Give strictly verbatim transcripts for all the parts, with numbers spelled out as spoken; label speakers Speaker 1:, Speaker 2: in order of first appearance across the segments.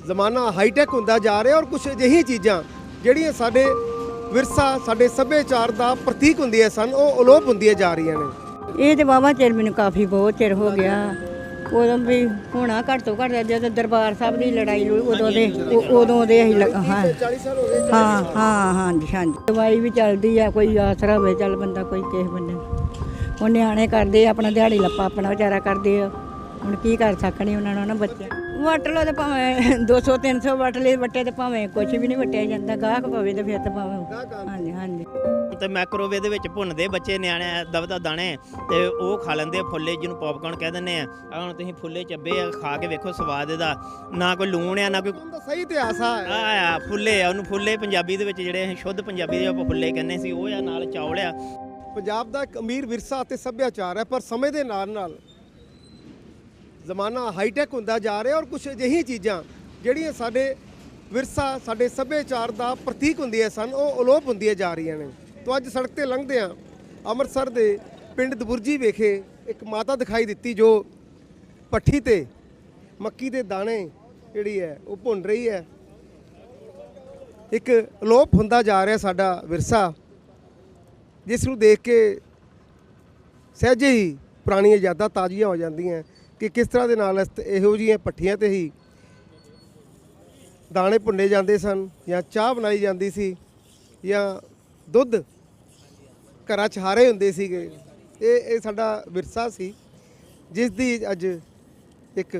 Speaker 1: ਜ਼ਮਾਨਾ ਹਾਈਟੈਕ ਹੁੰਦਾ ਜਾ ਰਿਹਾ ਔਰ ਕੁਝ ਅਜਿਹੀਆਂ ਚੀਜ਼ਾਂ ਜਿਹੜੀਆਂ ਸਾਡੇ ਵਿਰਸਾ ਸਾਡੇ ਸੱਭਿਆਚਾਰ ਦਾ ਪ੍ਰਤੀਕ ਹੁੰਦੀਆਂ ਸਨ ਉਹ ਅਲੋਪ ਹੁੰਦੀਆਂ ਜਾ ਰਹੀਆਂ ਨੇ।
Speaker 2: ਇਹ ਤੇ ਵਾਹਵਾ ਚਿਰ ਮੈਨੂੰ ਕਾਫੀ ਬਹੁਤ ਚਿਰ ਹੋ ਗਿਆ। ਉਦੋਂ ਵੀ ਹੋਣਾ ਘੱਟ ਤੋਂ ਘੱਟ ਜਦੋਂ ਦਰਬਾਰ ਸਾਹਿਬ ਦੀ ਲੜਾਈ ਲੁ- ਉਦੋਂ ਦੇ ਉ- ਉਦੋਂ ਦੇ ਅਸੀਂ ਲਗ- ਹਾਂ
Speaker 1: ਚਾਲੀ ਸਾਲ ਹੋ ਗਏ।
Speaker 2: ਹਾਂ ਹਾਂ ਹਾਂਜੀ ਹਾਂਜੀ ਦਵਾਈ ਵੀ ਚੱਲਦੀ ਆ, ਕੋਈ ਆਸਰਾ ਹੋਵੇ ਚੱਲ ਬੰਦਾ ਕੋਈ ਕਿਸੇ ਬੰਦੇ ਨੂੰ। ਹੁਣ ਨਿਆਣੇ ਕਰਦੇ ਆ ਆਪਣਾ ਦਿਹਾੜੀ ਲੱਪਾ ਆਪਣਾ ਵਿਚਾਰਾ ਕਰਦੇ ਆ, ਹੁਣ ਕੀ ਕਰ ਸਕਣੇ ਉਹਨਾਂ ਨੂੰ ਨਾ ਬੱਚੇ। ਵੱਟ ਲਓ ਤੇ ਭਾਵੇਂ ਦੋ ਸੌ ਤਿੰਨ ਸੌ ਵੱਟ ਲਏ ਵੱਟੇ ਤੇ ਭਾਵੇਂ ਕੁਛ ਵੀ ਨਹੀਂ ਵੱਟਿਆ ਜਾਂਦਾ, ਗਾਹਕ ਪਵੇ ਤੇ ਫਿਰ ਤਾਂ ਭਾਵੇਂ ਹਾਂਜੀ ਹਾਂਜੀ।
Speaker 3: ਤੇ ਮਾਈਕ੍ਰੋਵੇਵ ਦੇ ਵਿੱਚ ਭੁੰਨਦੇ ਬੱਚੇ ਨਿਆਣੇ ਦਬਦਾ ਦਾਣੇ ਤੇ ਉਹ ਖਾ ਲੈਂਦੇ ਆ ਫੁੱਲੇ, ਜਿਹਨੂੰ ਪੌਪਕਾਰਨ ਕਹਿ ਦਿੰਦੇ ਆ। ਆਹ ਹੁਣ ਤੁਸੀਂ ਫੁੱਲੇ ਚੱਬੇ ਆ, ਖਾ ਕੇ ਵੇਖੋ ਸਵਾਦ ਇਹਦਾ, ਨਾ ਕੋਈ ਲੂਣ ਆ ਨਾ ਕੋਈ
Speaker 1: ਉਹਦਾ ਸਹੀ ਇਤਿਹਾਸ ਆ।
Speaker 3: ਆ ਆ ਫੁੱਲੇ ਆ, ਉਹਨੂੰ ਫੁੱਲੇ ਪੰਜਾਬੀ ਦੇ ਵਿੱਚ ਜਿਹੜੇ ਅਸੀਂ ਸ਼ੁੱਧ ਪੰਜਾਬੀ ਦੇ ਆਪਾਂ ਫੁੱਲੇ ਕਹਿੰਦੇ ਸੀ, ਉਹ ਆ ਨਾਲ ਚੌਲ ਆ।
Speaker 1: ਪੰਜਾਬ ਦਾ ਇੱਕ ਅਮੀਰ ਵਿਰਸਾ ਅਤੇ ਸੱਭਿਆਚਾਰ ਹੈ, ਪਰ ਸਮੇਂ ਦੇ ਨਾਲ ਨਾਲ ਜ਼ਮਾਨਾ ਹਾਈਟੈਕ ਹੁੰਦਾ ਜਾ ਰਿਹਾ ਔਰ ਕੁਝ ਅਜਿਹੀਆਂ ਚੀਜ਼ਾਂ ਜਿਹੜੀਆਂ ਸਾਡੇ ਵਿਰਸਾ ਸਾਡੇ ਸੱਭਿਆਚਾਰ ਦਾ ਪ੍ਰਤੀਕ ਹੁੰਦੀਆਂ ਸਨ ਉਹ ਅਲੋਪ ਹੁੰਦੀਆਂ ਜਾ ਰਹੀਆਂ ਨੇ। ਤੋਂ ਅੱਜ ਸੜਕ ਤੇ ਲੰਘਦੇ ਹਾਂ, ਅੰਮ੍ਰਿਤਸਰ ਦੇ ਪਿੰਡ ਦਬੁਰਜੀ ਵਿਖੇ ਇੱਕ ਮਾਤਾ ਦਿਖਾਈ ਦਿੱਤੀ ਜੋ ਪੱਠੀ ਤੇ ਮੱਕੀ ਦੇ ਦਾਣੇ ਜਿਹੜੀ ਹੈ ਉਹ ਭੁੰਨ ਰਹੀ ਹੈ। ਇੱਕ ਅਲੋਪ ਹੁੰਦਾ ਜਾ ਰਿਹਾ ਸਾਡਾ ਵਿਰਸਾ, ਜਿਸ ਨੂੰ ਦੇਖ ਕੇ ਸਹਿਜੇ ਹੀ ਪੁਰਾਣੀਆਂ ਯਾਦਾਂ ਤਾਜ਼ੀਆਂ ਹੋ ਜਾਂਦੀਆਂ ਕਿ ਕਿਸ ਤਰ੍ਹਾਂ ਦੇ ਨਾਲ ਇਸ- ਇਹੋ ਜਿਹੀਆਂ ਪੱਠੀਆਂ ਤੇ ਹੀ ਦਾਣੇ ਭੁੰਨੇ ਜਾਂਦੇ ਸਨ ਜਾਂ ਚਾਹ ਬਣਾਈ ਜਾਂਦੀ ਸੀ ਜਾਂ ਦੁੱਧ ਘਰਾਂ 'ਚ ਹਾਰੇ ਹੁੰਦੇ ਸੀਗੇ। ਇਹ ਇਹ ਸਾਡਾ ਵਿਰਸਾ ਸੀ ਜਿਸ ਦੀ ਅੱਜ ਇੱਕ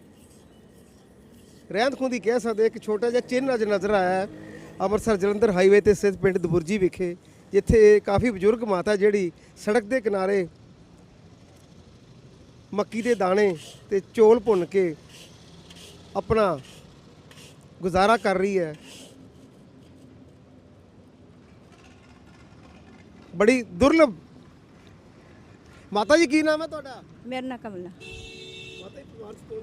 Speaker 1: ਰਹਿੰਦ ਖੂੰਹਦੀ ਕਹਿ ਸਕਦੇ ਇੱਕ ਛੋਟਾ ਜਿਹਾ ਚਿੰਨ੍ਹ ਅੱਜ ਨਜ਼ਰ ਆਇਆ ਹੈ ਅੰਮ੍ਰਿਤਸਰ ਜਲੰਧਰ ਹਾਈਵੇ ਤੇ ਸਥਿਤ ਪਿੰਡ ਦਬੁਰਜੀ ਵਿਖੇ, ਜਿੱਥੇ ਕਾਫੀ ਬਜ਼ੁਰਗ ਮਾਤਾ ਜਿਹੜੀ ਸੜਕ ਦੇ ਕਿਨਾਰੇ ਮੱਕੀ ਦੇ ਦਾਣੇ ਤੇ ਚੌਲ ਭੁੰਨ ਕੇ ਆਪਣਾ ਗੁਜ਼ਾਰਾ ਕਰ ਰਹੀ ਹੈ। ਬੜੀ ਦੁਰਲਭ। ਮਾਤਾ ਜੀ ਕੀ ਨਾਮ ਹੈ ਤੁਹਾਡਾ?
Speaker 2: ਮੇਰਾ ਨਾਂ ਕਮਲਾ।
Speaker 1: ਮਾਤਾ ਜੀ ਪਰਿਵਾਰ 'ਚ ਕੌਣ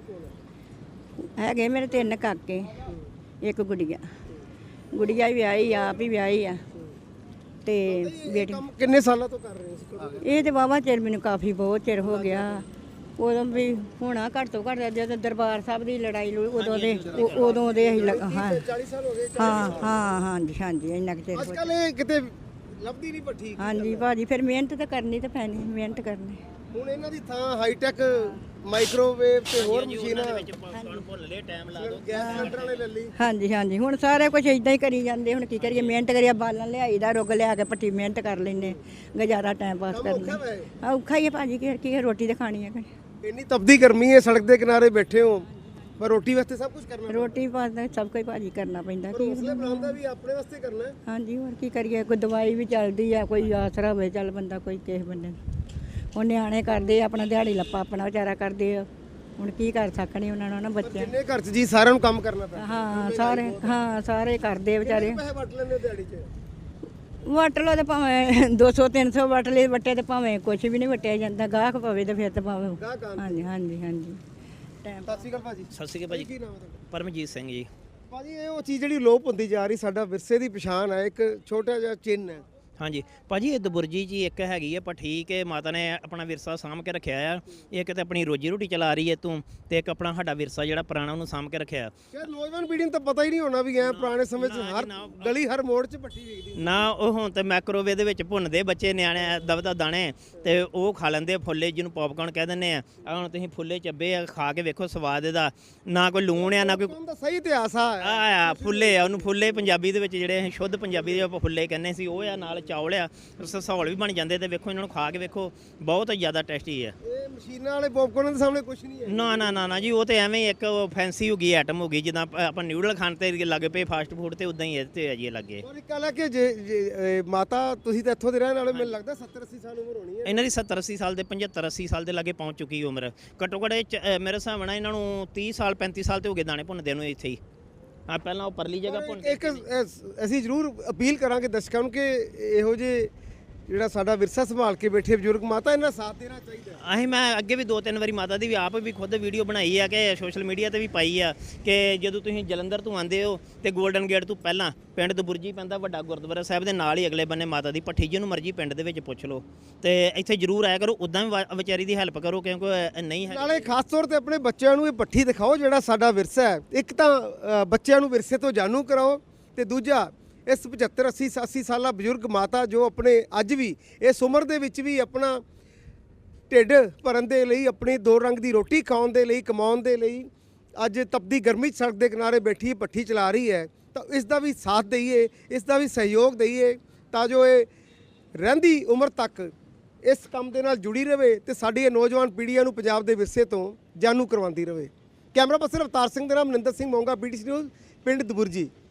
Speaker 1: ਕੌਣ ਹੈ?
Speaker 2: ਹੈਗੇ ਮੇਰੇ ਤਿੰਨ ਕਾਕੇ, ਇੱਕ ਗੁੜੀਆ। ਗੁੜੀਆ ਵੀ ਵਿਆਹੀ ਆ, ਆਪ ਹੀ ਵਿਆਹੀ ਆ ਤੇ ਬੇਟੀ।
Speaker 1: ਕੰਮ ਕਿੰਨੇ ਸਾਲਾਂ ਤੋਂ ਕਰ ਰਹੇ ਹੋ ਇਸ ਕੰਮ?
Speaker 2: ਇਹ ਤੇ ਵਾਹਵਾ ਚਿਰ ਮੈਨੂੰ ਕਾਫੀ ਬਹੁਤ ਚਿਰ ਹੋ ਗਿਆ। ਉਦੋਂ ਵੀ ਹੋਣਾ ਘੱਟ ਤੋਂ ਘੱਟ ਜਦੋਂ ਦਰਬਾਰ ਸਾਹਿਬ ਦੀ ਲੜਾਈ ਲੁ- ਉਦੋਂ ਦੇ ਉ- ਉਦੋਂ ਦੇ ਅਸੀਂ ਲਗ- ਹਾਂ
Speaker 1: ਚਾਲੀ ਸਾਲ ਹੋ ਗਏ।
Speaker 2: ਹਾਂ ਹਾਂ ਹਾਂਜੀ ਹਾਂਜੀ ਇੰਨਾ ਕੁ ਚਿਰ
Speaker 1: ਅੱਜ
Speaker 2: ਹੋ
Speaker 1: ਕੱਲ ਇਹ ਕਿਤੇ ਲੱਭਦੀ ਨਹੀਂ ਪੱਠੀ।
Speaker 2: ਹਾਂਜੀ ਭਾਜੀ, ਫਿਰ ਮਿਹਨਤ ਤਾਂ ਕਰਨੀ ਤਾਂ ਪੈਣੀ, ਮਿਹਨਤ ਕਰਨੀ।
Speaker 1: ਹੁਣ ਇਹਨਾਂ ਦੀ ਥਾਂ ਹਾਈਟੈਕ ਮਾਈਕ੍ਰੋਵੇਵ ਤੇ ਹੋਰ ਮਸ਼ੀਨਾਂ
Speaker 3: ਪੌਪਕਾਰਨ ਭੁੰਨ ਲਏ, ਟਾਈਮ ਲਾ ਦਿਓ।
Speaker 1: ਗੈਸ ਸਿਲੰਡਰ ਵਾਲੇ ਲੈ ਲਈ।
Speaker 2: ਹਾਂਜੀ ਹਾਂਜੀ ਹੁਣ ਸਾਰੇ ਕੁਝ ਇਦਾਂ ਹੀ ਕਰੀ ਜਾਂਦੇ। ਹੁਣ ਕੀ ਕਰੀਏ, ਮਿਹਨਤ ਕਰੀਏ, ਬਾਲਣ ਲਿਆਈਦਾ, ਰੁੱਗ ਲਿਆ ਕੇ ਪੱਟੀ ਮਿਹਨਤ ਕਰ ਲੈਂਦੇ, ਗੁਜ਼ਾਰਾ ਟਾਈਮ ਪਾਸ
Speaker 1: ਕੰਮ ਔਖਾ
Speaker 2: ਕਰਨਾ।
Speaker 1: ਵਾ ਇਹ।
Speaker 2: ਆ ਔਖਾ ਹੀ ਹੈ ਭਾਜੀ, ਕੀ ਕੀ ਰੋਟੀ ਤਾਂ ਖਾਣੀ ਹੈ।
Speaker 1: ਇੰਨੀ ਤਪਦੀ ਗਰਮੀ ਹੈ, ਸੜਕ ਦੇ ਕਿਨਾਰੇ ਬੈਠੇ ਹੋ, ਪਰ ਰੋਟੀ ਵਾਸਤੇ ਸਭ ਕੁਝ ਕਰਨਾ।
Speaker 2: ਰੋਟੀ ਪਾਸ ਦਾ ਸਭ ਕੁਝ ਭਾਜੀ ਕਰਨਾ ਪੈਂਦਾ।
Speaker 1: ਪਰ
Speaker 2: ਕੀ
Speaker 1: ਹੌਸਲੇ ਬਣਾਉਂਦਾ ਵੀ ਆਪਣੇ ਵਾਸਤੇ ਕਰਨਾ ਹੈ।
Speaker 2: ਹਾਂਜੀ ਹੋਰ ਕੀ ਕਰੀਏ, ਕੋਈ ਦਵਾਈ ਵੀ ਚੱਲਦੀ ਆ, ਕੋਈ ਆਸਰਾ ਹੋਵੇ ਚੱਲ ਬੰਦਾ ਕੋਈ ਕਿਸੇ ਬੰਦੇ ਨੂੰ। ਹੁਣ ਨਿਆਣੇ ਕਰਦੇ ਆ ਆਪਣਾ ਦਿਹਾੜੀ ਲੱਪਾ ਆਪਣਾ ਵਿਚਾਰਾ ਕਰਦੇ ਆ, ਹੁਣ ਕੀ ਕਰ ਸਕਣੇ ਉਹਨਾਂ ਨੂੰ ਨਾ ਬੱਚੇ।
Speaker 1: ਜਿੰਨੇ ਘਰ 'ਚ ਜੀ ਸਾਰਿਆਂ ਨੂੰ ਕੰਮ ਕਰਨਾ ਪੈਂਦਾ।
Speaker 2: ਹਾਂ ਸਾਰੇ ਹਾਂ ਸਾਰੇ ਕਰਦੇ ਆ ਵਿਚਾਰੇ।
Speaker 1: ਪੈਸੇ ਵਟ ਲੈਂਦੇ ਦਿਹਾੜੀ 'ਚ?
Speaker 2: ਵੱਟ ਲਓ ਤੇ ਭਾਵੇਂ ਦੋ ਸੌ ਤਿੰਨ ਸੌ ਵੱਟ ਲਏ ਵੱਟੇ ਤੇ ਭਾਵੇਂ ਕੁਛ ਵੀ ਨਹੀਂ ਵੱਟਿਆ ਜਾਂਦਾ, ਗਾਹਕ ਪਵੇ ਤੇ ਫਿਰ ਤਾਂ ਭਾਵੇਂ
Speaker 1: ਗਾਹਕ ਆਉਂਦੇ।
Speaker 2: ਹਾਂਜੀ ਹਾਂਜੀ ਹਾਂਜੀ ਟਾਈਮ।
Speaker 1: ਸਤਿ ਸ਼੍ਰੀ ਅਕਾਲ ਭਾਜੀ।
Speaker 3: ਸਤਿ ਸ਼੍ਰੀ ਅਕਾਲ
Speaker 1: ਕੀ
Speaker 3: ਭਾਜੀ,
Speaker 1: ਨਾਮ ਹੈ ਤੁਹਾਡਾ?
Speaker 3: ਪਰਮਜੀਤ ਸਿੰਘ ਜੀ।
Speaker 1: ਭਾਜੀ ਇਹ ਉਹ ਚੀਜ਼ ਜਿਹੜੀ ਲੋਪ ਹੁੰਦੀ ਜਾ ਰਹੀ, ਸਾਡਾ ਵਿਰਸੇ ਦੀ ਪਛਾਣ ਹੈ, ਇੱਕ ਛੋਟਾ ਜਿਹਾ ਚਿੰਨ੍ਹ ਹੈ।
Speaker 3: ਹਾਂਜੀ ਭਾਜੀ, ਇਹ ਦਬੁਰਜੀ ਜੀ ਇੱਕ ਹੈਗੀ ਹੈ ਪੱਠੀ ਕਿ ਮਾਤਾ ਨੇ ਆਪਣਾ ਵਿਰਸਾ ਸਾਂਭ ਕੇ ਰੱਖਿਆ ਆ। ਇੱਕ ਤੇ ਆਪਣੀ ਰੋਜੀ ਰੋਟੀ ਚਲਾ ਰਹੀ ਹੈ ਤੂੰ, ਤੇ ਇੱਕ ਆਪਣਾ ਸਾਡਾ ਵਿਰਸਾ ਜਿਹੜਾ ਪੁਰਾਣਾ ਉਹਨੂੰ ਸਾਂਭ ਕੇ ਰੱਖਿਆ।
Speaker 1: ਯਾਰ ਨੌਜਵਾਨ ਪੀੜ੍ਹੀ ਨੂੰ ਤਾਂ ਪਤਾ ਹੀ ਨਹੀਂ ਹੋਣਾ ਵੀ ਐ ਪੁਰਾਣੇ ਸਮੇਂ 'ਚ ਹਰ ਗਲੀ ਹਰ ਮੋੜ 'ਚ ਪੱਠੀ ਵਿਕਦੀ।
Speaker 3: ਨਾ ਉਹ ਹੁਣ ਤੇ ਮਾਈਕ੍ਰੋਵੇਵ ਦੇ ਵਿੱਚ ਭੁੰਨਦੇ ਬੱਚੇ ਨਿਆਣੇ ਦਬਦਾ ਦਾਣੇ ਤੇ ਉਹ ਖਾ ਲੈਂਦੇ ਆ ਫੁੱਲੇ, ਜਿਹਨੂੰ ਪੌਪਕਾਰਨ ਕਹਿ ਦਿੰਦੇ ਆ। ਆਹ ਹੁਣ ਤੁਸੀਂ ਫੁੱਲੇ ਚੱਬੇ ਆ, ਖਾ ਕੇ ਵੇਖੋ ਸਵਾਦ ਇਹਦਾ, ਨਾ ਕੋਈ ਲੂਣ ਆ ਨਾ ਕੋਈ
Speaker 1: ਉਹਦਾ ਸਹੀ ਇਤਿਹਾਸ ਆ।
Speaker 3: ਆ ਆ ਫੁੱਲੇ ਆ, ਉਹਨੂੰ ਫੁੱਲੇ ਪੰਜਾਬੀ ਦੇ ਵਿੱਚ ਜਿਹੜੇ ਅਸੀਂ ਸ਼ੁੱਧ ਪੰਜਾਬੀ ਦੇ ਆਪਾਂ ਫੁੱਲੇ ਕਹਿੰਦੇ ਸੀ, ਉਹ ਆ ਨਾਲ ਚੌਲ ਆ, ਸੌਲ ਵੀ ਬਣ ਜਾਂਦੇ। ਤੇ ਵੇਖੋ ਇਹਨਾਂ ਨੂੰ ਖਾ ਕੇ ਵੇਖੋ, ਬਹੁਤ ਜ਼ਿਆਦਾ ਟੇਸਟੀ ਹੈ।
Speaker 1: ਇਹ ਮਸ਼ੀਨਾਂ ਵਾਲੇ ਪੌਪਕਾਰਨ ਦੇ ਸਾਹਮਣੇ ਕੁਝ ਨਹੀਂ ਹੈ।
Speaker 3: ਨਾ ਨਾ ਨਾ ਨਾ ਜੀ, ਉਹ ਤੇ ਐਵੇਂ ਹੀ ਇੱਕ ਫੈਂਸੀ ਹੋ ਗਈ ਆਈਟਮ ਹੋ ਗਈ, ਜਿੱਦਾਂ ਆਪਾਂ ਨਿਊਡਲ ਖਾਣ ਤੇ ਲੱਗੇ ਪਏ ਫਾਸਟ ਫੂਡ ਤੇ ਉਦਾਂ ਹੀ ਇਹ ਤੇ ਹੈ ਜੀ ਲੱਗੇ।
Speaker 1: ਔਰ ਇੱਕ ਗੱਲ ਹੈ ਕਿ ਜੇ ਜੇ, ਇਹ ਮਾਤਾ ਤੁਸੀਂ ਤਾਂ ਇੱਥੋਂ ਦੇ ਰਹਿਣ ਵਾਲੇ, ਮੈਨੂੰ ਲੱਗਦਾ ਸੱਤਰ ਅੱਸੀ ਸਾਲ ਉਮਰ ਹੋਣੀ ਹੈ
Speaker 3: ਇਹਨਾਂ ਦੀ ਸੱਤਰ ਅੱਸੀ ਸਾਲ ਦੇ ਪਝੱਤਰ ਅੱਸੀ ਸਾਲ ਦੇ ਲਾਗੇ ਪਹੁੰਚ ਚੁੱਕੀ ਉਮਰ। ਘੱਟੋ ਘੱਟ ਇਹ 'ਚ, ਅ, ਮੇਰੇ ਹਿਸਾਬ ਨਾਲ ਇਹਨਾਂ ਨੂੰ ਤੀਹ ਸਾਲ ਪੈਂਤੀ ਸਾਲ ਤੇ ਹੋ ਗਏ ਦਾਣੇ ਭੁੰਨਦੇ ਨੂੰ ਇੱਥੇ ਹੀ। ਹਾਂ ਪਹਿਲਾਂ ਉਹ ਪਰਲੀ ਜਗ੍ਹਾ ਭੁੰਨ
Speaker 1: ਇੱਕ ਅ, ਅਸੀਂ ਜ਼ਰੂਰ ਅਪੀਲ ਕਰਾਂਗੇ ਦਰਸ਼ਕਾਂ ਨੂੰ ਕਿ ਇਹੋ ਜਿਹੇ ਜਿਹੜਾ ਸਾਡਾ ਵਿਰਸਾ ਸੰਭਾਲ ਕੇ ਬੈਠੇ ਬਜ਼ੁਰਗ ਮਾਤਾ, ਇਹਨਾਂ ਦਾ ਸਾਥ ਦੇਣਾ ਚਾਹੀਦਾ।
Speaker 3: ਅਸੀਂ ਮੈਂ ਅੱਗੇ ਵੀ ਦੋ ਤਿੰਨ ਵਾਰੀ ਮਾਤਾ ਦੀ ਵੀ ਆਪ ਵੀ ਖੁਦ ਵੀਡੀਓ ਬਣਾਈ ਆ ਕਿ ਸੋਸ਼ਲ ਮੀਡੀਆ ਤੇ ਵੀ ਪਾਈ ਆ ਕਿ ਜਦੋਂ ਤੁਸੀਂ ਜਲੰਧਰ ਤੋਂ ਆਉਂਦੇ ਹੋ ਤੇ 골ਡਨ ਗੇਟ ਤੋਂ ਪਹਿਲਾਂ ਪਿੰਡ ਦਬੁਰਜੀ ਪੈਂਦਾ, ਵੱਡਾ ਗੁਰਦੁਆਰਾ ਸਾਹਿਬ ਦੇ ਨਾਲ ਹੀ ਅਗਲੇ ਬੰਨੇ ਮਾਤਾ ਦੀ ਭੱਠੀ, ਜਿਹਨੂੰ ਮਰਜ਼ੀ ਪਿੰਡ ਦੇ ਵਿੱਚ ਪੁੱਛ ਲਓ ਤੇ ਇੱਥੇ ਜ਼ਰੂਰ ਆਇਆ ਕਰੋ। ਉਦਾਂ ਵੀ ਵਾ- ਵਿਚਾਰੀ ਦੀ ਹੈਲਪ ਕਰੋ ਕਿਉਂਕਿ ਨਹੀਂ ਹੈ।
Speaker 1: ਨਾਲੇ ਖਾਸ ਤੌਰ ਤੇ ਆਪਣੇ ਬੱਚਿਆਂ ਨੂੰ ਇਹ ਭੱਠੀ ਦਿਖਾਓ ਜਿਹੜਾ ਸਾਡਾ ਵਿਰਸਾ ਹੈ। ਇੱਕ ਤਾਂ ਅ, ਬੱਚਿਆਂ ਨੂੰ ਵਿਰਸੇ ਤੋਂ ਜਾਣੂ ਕਰਾਓ ਤੇ ਦੂਜਾ ਇਸ ਪਝੱਤਰ ਅੱਸੀ ਅੱਸੀ ਸਾਲਾ ਬਜ਼ੁਰਗ ਮਾਤਾ ਜੋ ਆਪਣੇ ਅੱਜ ਵੀ ਇਸ ਉਮਰ ਦੇ ਵਿੱਚ ਵੀ ਆਪਣਾ ਢਿੱਡ ਭਰਨ ਦੇ ਲਈ, ਆਪਣੀ ਦੋ ਰੰਗ ਦੀ ਰੋਟੀ ਖਾਣ ਦੇ ਲਈ, ਕਮਾਉਣ ਦੇ ਲਈ ਅੱਜ ਤਪਦੀ ਗਰਮੀ 'ਚ ਸੜਕ ਦੇ ਕਿਨਾਰੇ ਬੈਠੀ ਭੱਠੀ ਚਲਾ ਰਹੀ ਹੈ। ਤਾਂ ਇਸ ਦਾ ਵੀ ਸਾਥ ਦਈਏ, ਇਸ ਦਾ ਵੀ ਸਹਿਯੋਗ ਦਈਏ ਤਾਂ ਜੋ ਇਹ ਰਹਿੰਦੀ ਉਮਰ ਤੱਕ ਇਸ ਕੰਮ ਦੇ ਨਾਲ ਜੁੜੀ ਰਹੇ ਤੇ ਸਾਡੀ ਇਹ ਨੌਜਵਾਨ ਪੀੜ੍ਹੀਆਂ ਨੂੰ ਪੰਜਾਬ ਦੇ ਵਿਰਸੇ ਤੋਂ ਜਾਣੂ ਕਰਵਾਉਂਦੀ ਰਹੇ। ਕੈਮਰਾ ਪਰਸਨ ਅਵਤਾਰ ਸਿੰਘ ਦੇ ਨਾਮ ਮਨਿੰਦਰ ਸਿੰਘ ਮੋਂਗਾ, ਪੀਟੀਸੀ ਨਿਊਜ਼, ਪਿੰਡ ਦਬੁਰਜੀ।